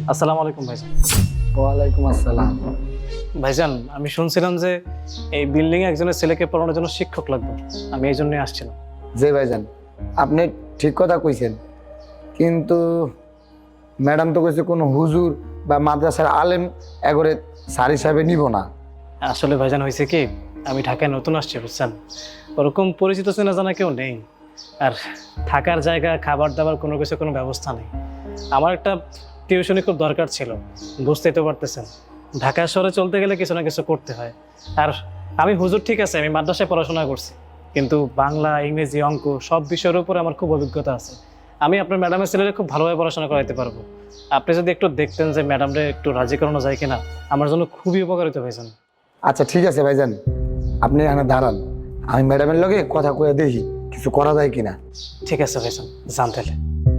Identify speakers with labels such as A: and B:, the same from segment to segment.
A: আসসালামু আলাইকুম ভাইজান।
B: ওয়ালাইকুম আসসালাম।
A: ভাইজান, আমি শুনছিলাম যে এই বিল্ডিং এ একজনের ছেলেকে পড়ানোর জন্য শিক্ষক লাগবে। আমি এই জন্যই আসছিলাম।
B: জি ভাইজান, আপনি ঠিক কথা কইছেন, কিন্তু ম্যাডাম তো কইছে কোনো হুজুর বা মাদ্রাসার আলেম এগরে স্যার হিসাবে নিব না।
A: আসলে ভাইজান হয়েছে কি, আমি ঢাকায় নতুন আসছি বুঝছেন, ওরকম পরিচিত চেনা জানা কেউ নেই, আর থাকার জায়গা খাবার দাবার কোনো কিছু কোনো ব্যবস্থা নেই। আমার একটা টিউশনি খুব দরকার ছিল, বুঝতেই তো পারতেছেন ঢাকা শহরে চলতে গেলে কিছু না কিছু করতে হয়। আর আমি হুজুর ঠিক আছে, আমি মাদ্রাসায় পড়াশোনা করছি, কিন্তু বাংলা ইংরেজি অঙ্ক সব বিষয়ের উপরে আমার খুব অভিজ্ঞতা আছে। আমি আপনার ম্যাডামের ছেলেরা খুব ভালোভাবে পড়াশোনা করাইতে পারবো। আপনি যদি একটু দেখতেন যে ম্যাডামরে একটু রাজি করানো যায় কিনা, আমার জন্য খুবই উপকারিত ভাইজান।
B: আচ্ছা ঠিক আছে ভাইজান, আপনি এখানে দাঁড়ান, আমি ম্যাডামের লগে কথা কয়ে দেখি কিছু করা যায় কিনা।
A: ঠিক আছে ভাইজান, যান তাহলে।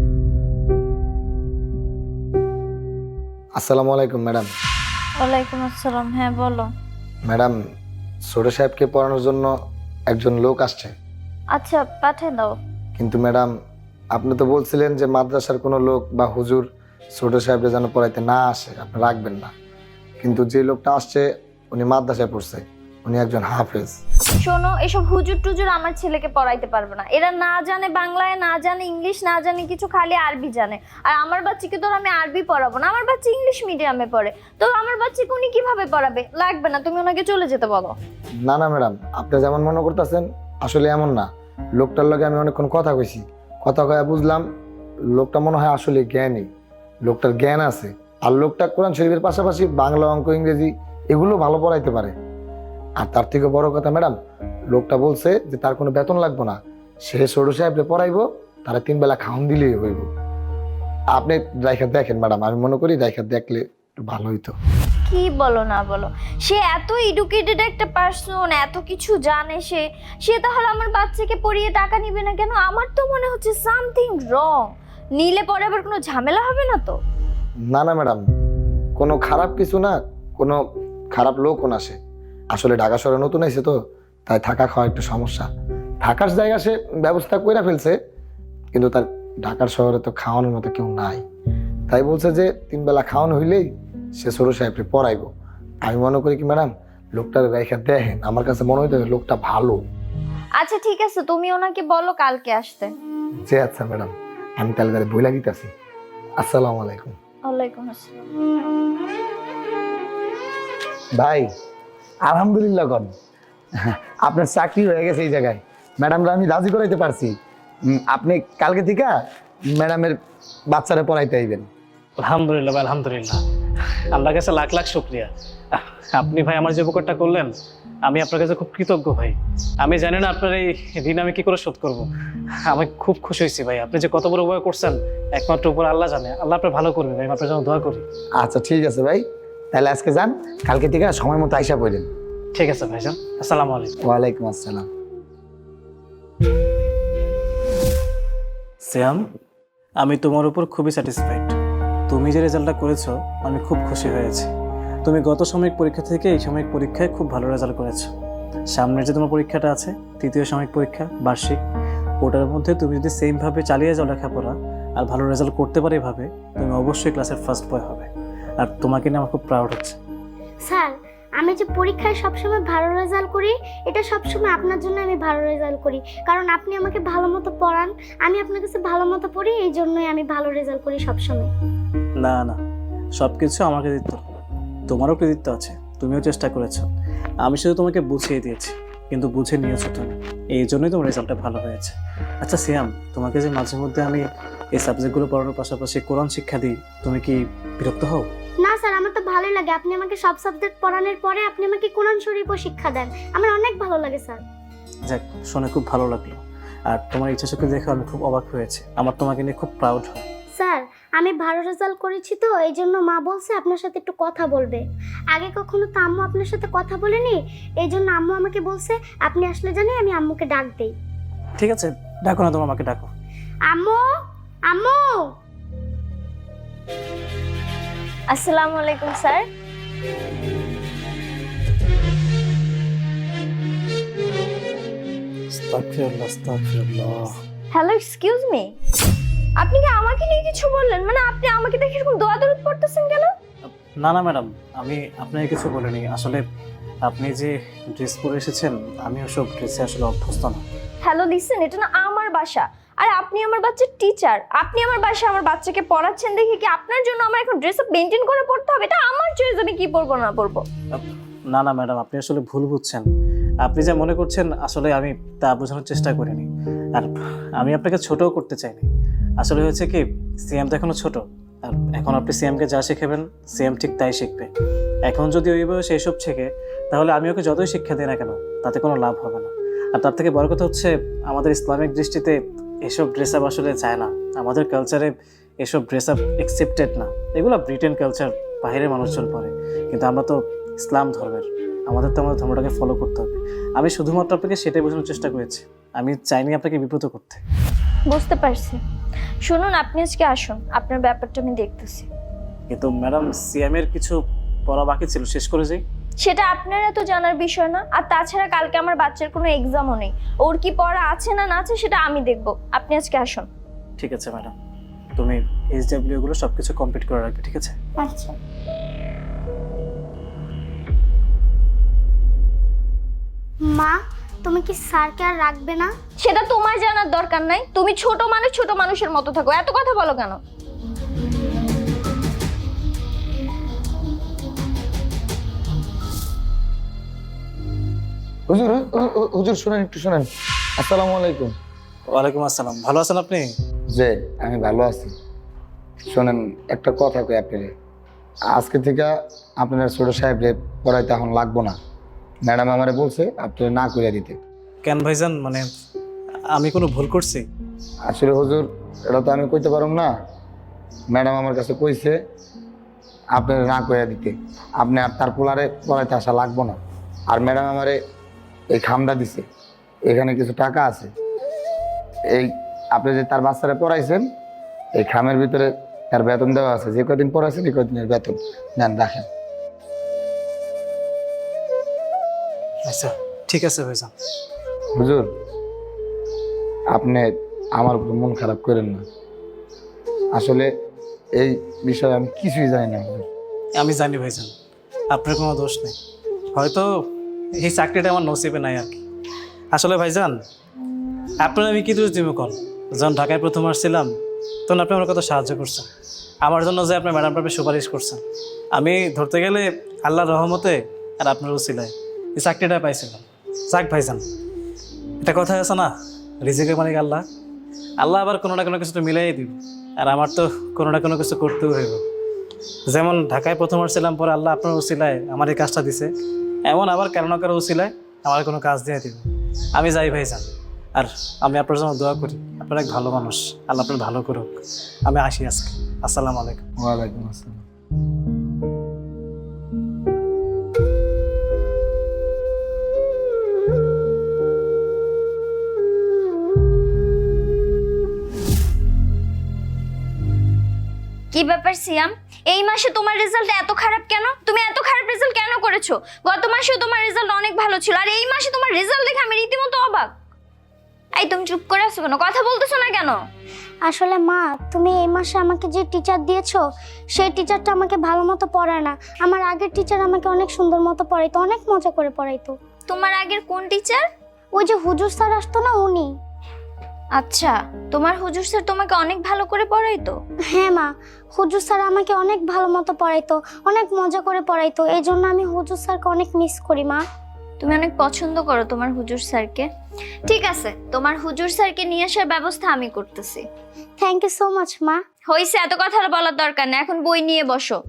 B: আসসালামু আলাইকুম ম্যাডাম।
C: ওয়ালাইকুম আসসালাম। হ্যাঁ বলো।
B: ম্যাডাম, ছোট সাহেবকে পড়ানোর জন্য একজন লোক আসছে।
C: আচ্ছা পাঠিয়ে দাও।
B: কিন্তু ম্যাডাম, আপনি তো বলছিলেন যে মাদ্রাসার কোনো লোক বা হুজুর ছোট সাহেবরা যেন পড়াইতে না আসে, আপনি রাখবেন না। কিন্তু যে লোকটা আসছে উনি মাদ্রাসায় পড়ছে, উনি একজন হাফেজ।
C: শোনো, এসব হুজুর টুজুর আমার ছেলেকে পড়াইতে পারবে না। এরা না জানে বাংলায়, না জানে ইংলিশ, না জানে কিছু, খালি আরবি জানে। আর আমার বাচ্চাকে তো আমি আরবি পড়াবো না, আমার বাচ্চা ইংলিশ মিডিয়ামে পড়ে, তো আমার বাচ্চাকে উনি কিভাবে পড়াবে? লাগবে না, তুমি ওনাকে চলে যেতে বলো।
B: না না ম্যাডাম, আপনি যেমন মনে করতেছেন আসলে এমন না। লোকটার লগে আমি অনেকক্ষণ কথা কইছি, কথা কয়ে বুঝলাম লোকটা মনে হয় আসলে জ্ঞানী, লোকটার জ্ঞান আছে। আর লোকটা কোরআন শরীফের পাশাপাশি বাংলা অঙ্ক ইংরেজি এগুলো ভালো পড়াইতে পারে। আর তার থেকে বড় কথা ম্যাডাম, লোকটা বলছে যে তার কোনো বেতন লাগবে না, সে ছোট সাহেবকে পড়াইবো, তারা 3 বেলা খাওন দিলেই হইব। আপনি রাইখা দেখেন ম্যাডাম, আমি মনে করি রাইখা দেখলে একটু ভালো হইতো।
C: কি বলো না বলো, সে এত এডুকেটেড একটা পার্সন, এত কিছু জানে, সে তাহলে আমার বাচ্চাকে পড়িয়ে টাকা নিবে না কেন? আমার তো মনে হচ্ছে সামথিং রং। নিলে পরে আবার কোনো ঝামেলা হবে না তো?
B: না না ম্যাডাম, কোনো খারাপ কিছু না, কোনো খারাপ লোকও না। সে আসলে ঢাকা শহরে নতুন এসে তো, তাই থাকা খাওয়া একটু সমস্যা। থাকার জায়গা সে ব্যবস্থা করে ফেলছে, কিন্তু তার ঢাকার শহরে তো খাওয়ানোর মতো কেউ নাই। তাই বলছে যে 3 বেলা খাওয়ানো হইলেই সে ছোট সাহেবকে পড়াইবো। আমি মনে করি কি ম্যাডাম, লোকটার রেখা দেখেন, আমার কাছে মনে হইতে লোকটা ভালো।
C: আচ্ছা ঠিক আছে, তুমি ওনাকে বলো কালকে আসতে।
B: যে আচ্ছা ম্যাডাম, আমি তাহলে তাহলে বইলা দিতেছি। আসসালামু আলাইকুম।
C: ওয়ালাইকুম আসসালাম।
B: ভাই আলহামদুলিল্লাহ কন, আপনার চাকরি হয়ে গেছে এই জায়গায়। ম্যাডামরা আমি রাজি করাইতে পারছি। আপনি কালকে থেকে ম্যাডামের বাচ্চারা পড়াইতে আইবেন।
A: আলহামদুলিল্লাহ ভাই, আলহামদুলিল্লাহ, আল্লাহর কাছে লাখ লাখ শুকরিয়া। আপনি ভাই আমার যে উপকারটা করলেন, আমি আপনার কাছে খুব কৃতজ্ঞ ভাই। আমি জানি না আপনার এই ঋণ আমি কি করে শোধ করবো। আমি খুব খুশি হয়েছি ভাই, আপনি যে কত বড় উপকার করছেন একমাত্র উপর আল্লাহ জানে। আল্লাহ আপনার ভালো করবে ভাই, আমি আপনার জন্য দোয়া করি।
B: আচ্ছা ঠিক আছে ভাই, তাহলে আজকে যান, কালকে থেকে সময় মতো আইসা পড়েন।
A: ঠিক আছে ভাইজান, আসসালামু আলাইকুম।
B: ওয়ালাইকুম আসসালাম।
A: শ্যাম, আমি তোমার উপর খুবই স্যাটিসফাইড। তুমি যে রেজাল্টটা করেছো আমি খুব খুশি হয়েছি। তুমি গত সাময়িক পরীক্ষা থেকে এই সাময়িক পরীক্ষায় খুব ভালো রেজাল্ট করেছো। সামনের যে তোমার পরীক্ষাটা আছে, 3য় সাময়িক পরীক্ষা বার্ষিক, ওটার মধ্যে তুমি যদি সেমভাবে চালিয়ে যাও লেখাপড়া আর ভালো রেজাল্ট করতে পারো এভাবে, তুমি অবশ্যই ক্লাসের ফার্স্ট বয় হবে। আর তোমাকে নিয়ে আমার খুব প্রাউড হচ্ছে।
D: স্যার, আমি যে পরীক্ষায় সবসময় ভালো রেজাল্ট করি, এটা সবসময় আপনার জন্য আমি ভালো রেজাল্ট করি, কারণ আপনি আমাকে ভালো মতো পড়ান, আমি আপনার কাছে ভালো মতো পড়ি, এই জন্যই আমি ভালো রেজাল্ট করি সবসময়।
A: না না, সব কিছু আমার কৃতিত্ব, তোমারও কৃতিত্ব আছে, তুমিও চেষ্টা করেছো। আমি শুধু তোমাকে বুঝিয়ে দিয়েছি, কিন্তু বুঝে নিয়েছো তুমি, এই জন্যই তোমার রেজাল্টটা ভালো হয়েছে। আচ্ছা সিয়াম, তোমাকে যে মাঝে মধ্যে আমি এই সাবজেক্টগুলো পড়ানোর পাশাপাশি কোরআন শিক্ষা দিই, তুমি কি বিরক্ত হও?
D: না স্যার, আমার তো ভালোই লাগে। আপনি আমাকে সব সাবজেক্ট পড়ানোর পরে আপনি আমাকে কোরআন শরীফও শিক্ষা দেন, আমার অনেক ভালো লাগে স্যার।
A: যাক, শুনে খুব ভালো লাগলো। আর তোমার ইচ্ছা শক্তি দেখে আমি খুব অবাক হয়েছি, আমার তোমাকে নিয়ে খুব প্রাউড হয়।
D: স্যার, আমি ভালো রেজাল্ট করেছি তো, এই জন্য মা বলছে আপনার সাথে একটু কথা বলবে। আগে কখনো তো আম্মু আপনার সাথে কথা বলেনি, এই জন্য আম্মু আমাকে বলছে আপনি আসলে জানি আমি আম্মুকে ডাক দেই।
A: ঠিক আছে, ডাকো না, তোমার মাকে ডাকো।
D: আম্মু, আম্মু।
C: আসসালামু আলাইকুম স্যার।
A: আস্তাগফিরুল্লাহ, আস্তাগফিরুল্লাহ।
C: Hello, excuse me. আপনি কি আমাকে নিয়ে কিছু বললেন? মানে আপনি আমাকে দেখে এরকম দোয়া দরুদ পড়তেছেন কেন?
A: না না ম্যাডাম, আমি আপনাকে কিছু বলিনি। আসলে আপনি যে ড্রেস পরে এসেছেন, আমি ওসব ড্রেসে আসলে অভ্যস্ত না।
C: হ্যালো লিসেন, এটা না আমার বাসা। আর আপনি আমার বাচ্চার টিচার, আপনি আমার বাসায় আমার বাচ্চাকে পড়াচ্ছেন দেখে কি আপনার জন্য আমার এখন ড্রেস আপ মেনটেন করে পড়তে হবে? এটা আমার চয়েস, আমি কি পরবো না পরবো।
A: না না ম্যাডাম, আপনি আসলে ভুল বুঝছেন। আপনি যা মনে করছেন আসলে আমি তা বোঝানোর চেষ্টা করিনি। আর আমি আপনাকে ছোটও করতে চাইনি। আসলে হয়েছে কি, সিএম তো এখনো ছোট। আর এখন আপনি সিএমকে যা শেখাবেন, সিএম ঠিক তাই শিখবে। এখন যদি ওই বয়সে এসব শেখে, তাহলে আমি ওকে যতই শিক্ষা দিই না কেন, তাতে কোনো লাভ হবে না। আর তার থেকে বড় কথা হচ্ছে, আমাদের ইসলামিক দৃষ্টিতে এসব ড্রেস আপ আসলে চায় না। আমাদের কালচারে এসব ড্রেস আপ অ্যাকসেপ্টেড না। এগুলো ব্রিটেন কালচার, বাইরের মানুষজন পরে, কিন্তু আমরা তো ইসলাম ধর্মের, আমাদের তো আমাদের ধর্মটাকে ফলো করতে হবে। আমি শুধুমাত্র আপনাকে সেটাই বোঝানোর চেষ্টা করেছি, আমি চাইনি আপনাকে বিব্রত করতে।
C: বুঝতে পারছি। শুনুন, আপনি আজকে আসুন, আপনার ব্যাপারটা আমি দেখতেছি।
A: কিন্তু ম্যাডাম, সিএম এর কিছু পড়া বাকি ছিল, শেষ করে যাই।
C: সেটা আপনার এত জানার বিষয় না। আর তাছাড়া কালকে আমার বাচ্চার কোনো এক্সামও নেই, ওর কি পড়া আছে না না আছে সেটা আমি দেখব। আপনি আজকে আসুন।
A: ঠিক আছে ম্যাডাম, তুমি এইচডব্লিউ গুলো সবকিছু কমপ্লিট করে রাখবে, ঠিক আছে?
D: আচ্ছা। মা, তুমি কি স্যারকে আর রাখবে না?
C: সেটা তোমার জানার দরকার নাই। তুমি ছোট মানুষ, ছোট মানুষের মতো থাকো। এত কথা বলো কেন?
B: হুজুর হুজুর শুনেন, একটু শুনেন। আসসালামু আলাইকুম।
A: ওয়ালাইকুম আসসালাম। ভালো আছেন আপনি?
B: যে আমি ভালো আছি। শোনেন, একটা কথা কই আপনারে, আজকে থেকে আপনার ছোট সাহেবরে পড়াইতে এখন লাগবো না। ম্যাডাম আমারে বলছে আপনার না করে দিতে।
A: কেন ভাইজান, মানে আমি কোনো ভুল করছি?
B: আসলে হুজুর, এটা তো আমি কইতে পারব না। ম্যাডাম আমার কাছে কইছে আপনার না করে দিতে, আপনি আর তার পোলারে পড়াইতে আসা লাগবো না। আর ম্যাডাম আমারে এই খামটা দিছে, এখানে কিছু টাকা আছে। এই আপনি যে তার বাচ্চারা পড়াইছেন, এই খামের ভিতরে তার বেতন দেওয়া আছে। যে কদিন পড়াইছেন এই কদিনের বেতন নেন, রাখেন।
A: আচ্ছা ঠিক আছে ভাইজান।
B: হুজুর, আপনি আমার উপর মন খারাপ করেন না। আসলে এই বিষয়ে আমি কিছুই জানি না হুজুর।
A: আমি জানি ভাইজান, আপনার কোনো দোষ নেই। হয়তো এই চাকরিটা আমার নসিবে নাই আর কি। আসলে ভাইজান, আপনার আমি কি দোষ দিব কল? যখন ঢাকায় প্রথম আসছিলাম, তখন আপনি আমার কত সাহায্য করছেন। আমার জন্য যে আপনার ম্যাডামটা আপনি সুপারিশ করছেন, আমি ধরতে গেলে আল্লাহর রহমতে আর আপনার উসিলায় এই চাকরিটা পাইছিলাম। যাক ভাইজান, এটা কথা আছে না, রিজিকের মালিক আল্লাহ। আল্লাহ আবার কোনো না কোনো কিছু তো মিলাই দিব। আর আমার তো কোনো না কোনো কিছু করতেও হইব। যেমন ঢাকায় প্রথম আসছিলাম, পরে আল্লাহ আপনার উসিলায় আমার এই কাজটা দিছে, এমন আবার কারো না কারো উসিলায় আমার কোনো কাজ দিয়ে দিবে। আমি যাই ভাইজান, আর আমি আপনার জন্য দোয়া করি। আপনার এক ভালো মানুষ, আল্লাহ আপনার ভালো করুক। আমি আসি আজকে। আসসালামু আলাইকুম।
B: ওয়ালাইকুম আসসালাম।
C: কি ব্যাপার সিয়াম, এই মাসে তোমার রেজাল্ট এত খারাপ কেন? তুমি এত খারাপ রেজাল্ট কেন করেছো? গত মাসেও তোমার রেজাল্ট অনেক ভালো ছিল, আর এই মাসে তোমার রেজাল্ট দেখে আমি রীতিমতো অবাক। এই তুমি চুপ করে আছো কেন? কথা বলতেছো না কেন?
D: আসলে মা, তুমি এই মাসে আমাকে যে টিচার দিয়েছো, সেই টিচারটা আমাকে ভালো মতো পড়ায় না। আমার আগের টিচার আমাকে অনেক সুন্দর মতো পড়াইতো, অনেক মজা করে পড়াইতো।
C: তোমার আগের কোন টিচার?
D: ওই যে হুজুর স্যার আসতো না, উনি।
C: আচ্ছা, তোমার হুজুর স্যার তোমাকে অনেক ভালো করে পড়াইতো?
D: হ্যাঁ মা, হুজুর স্যার আমাকে অনেক ভালো মতো পড়াইতো, অনেক মজা করে পড়াইতো। এই জন্য আমি হুজুর স্যারকে অনেক মিস করি মা।
C: তুমি অনেক পছন্দ করো তোমার হুজুর স্যারকে। ঠিক আছে, তোমার হুজুর স্যারকে নিয়ে আসার ব্যবস্থা আমি করতেছি।
D: থ্যাংক ইউ সো মাচ মা।
C: হইছে, এত কথা বলার দরকার নেই, এখন বই নিয়ে বসো।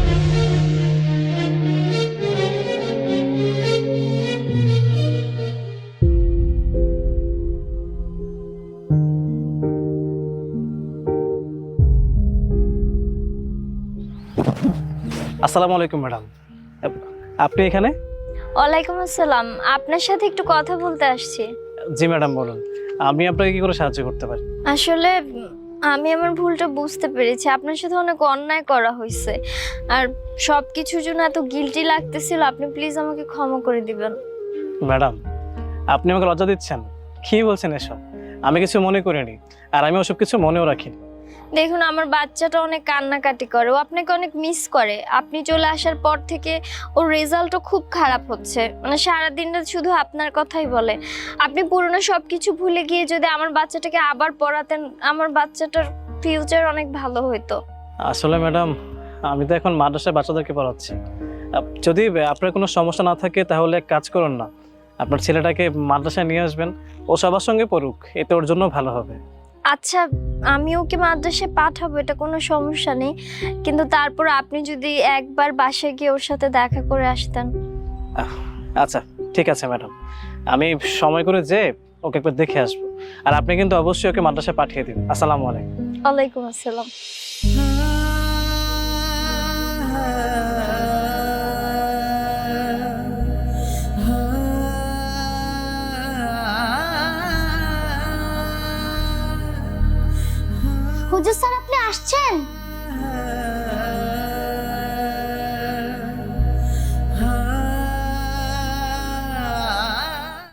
A: আসসালামু আলাইকুম ম্যাডাম, আপনি এখানে?
C: ওয়ালাইকুম আসসালাম, আপনার সাথে একটু কথা বলতে আসছি।
A: জি ম্যাডাম বলুন, আমি আপনাকে কি করে সাহায্য করতে পারি?
C: আসলে আমি আমার ভুলটা বুঝতে পেরেছি। আপনার সাথে অনেক অন্যায় করা হয়েছে, আর সব কিছুর জন্য এত গিল্টি লাগতেছিল। আপনি প্লিজ আমাকে ক্ষমা করে দিবেন।
A: ম্যাডাম, আপনি আমাকে লজ্জা দিচ্ছেন? কি বলছেন এসব? আমি কিছু মনে করিনি, আর আমি ওসব কিছু মনেও রাখিনি।
C: দেখুন আমার বাচ্চাটা অনেক কান্নাকাটি করে, ও আপনাকে অনেক মিস করে। আপনি চলে আসার পর থেকে ওর রেজাল্টও খুব খারাপ হচ্ছে, মানে সারাদিনটা শুধু আপনার কথাই বলে। আপনি পুরনো সব কিছু ভুলে গিয়ে যদি আমার বাচ্চাটাকে আবার পড়াতেন, আমার বাচ্চাটার ফিউচার অনেক ভালো হতো।
A: আসলে ম্যাডাম, আমি তো এখন মাদ্রাসায় বাচ্চাদেরকে পড়াচ্ছি। যদি আপনার কোনো সমস্যা না থাকে তাহলে এক কাজ করুন না, আপনার ছেলেটাকে মাদ্রাসায় নিয়ে আসবেন, ও সবার সঙ্গে পড়ুক, এতে ওর জন্য ভালো হবে।
C: আচ্ছা, আমি ওকে মাদ্রাসায় পাঠাবো, এটা কোনো সমস্যা নেই, কিন্তু তারপর আপনি যদি একবার বাসায় গিয়ে ওর সাথে দেখা করে আসতেন।
A: আচ্ছা ঠিক আছে ম্যাডাম, আমি সময় করে যে ওকে একবার দেখে আসবো। আর আপনি কিন্তু অবশ্যই ওকে মাদ্রাসায় পাঠিয়ে দিন। আসসালামু আলাইকুম।
C: ওয়ালাইকুম আসসালাম।